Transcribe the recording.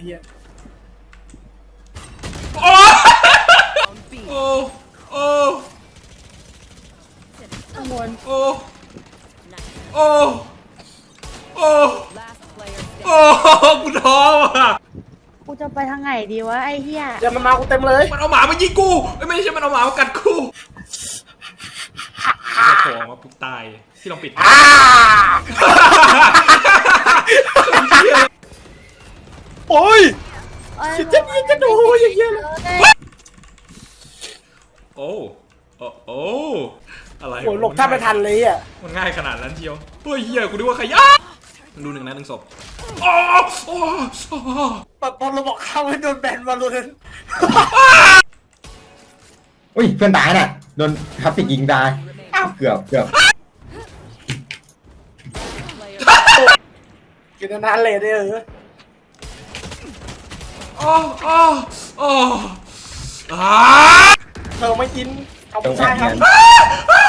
เหี้ยโอ้โอ้โอ้ข้างบนโอ้โอ้โอ้โอ้กูท้อว่ะกูจะไปทางไหนดีวะไอ้เหี้ยเดี๋ยวมันมากูเต็มเลยมันเอาหมามายิงกูไม่ใช่มันเอาหมามากัดกูจะโผล่มาปุ๊บตายที่ลองปิดโอ้ยชิจะดูอย่างเงี้ยเลยโอ้โอ้โอ้อะไรโอ้ยหลบแทบไม่ทันเลยอ่ะมันง่ายขนาดนั้นเชียวเฮ้ยเฮียกูนึกว่าใครยะมันดูหนึ่งนะหนึ่งศพโอ้โอ้โอ้พอเราบอกเข้าให้โดนแบนมาเลยอุ้ยเพื่อนตายน่ะโดนทับติกยิงตายเกือบกินนานเลยเออโอ้โอ้โอ้เธอไม่กินเอาผู้ชายครับอ้า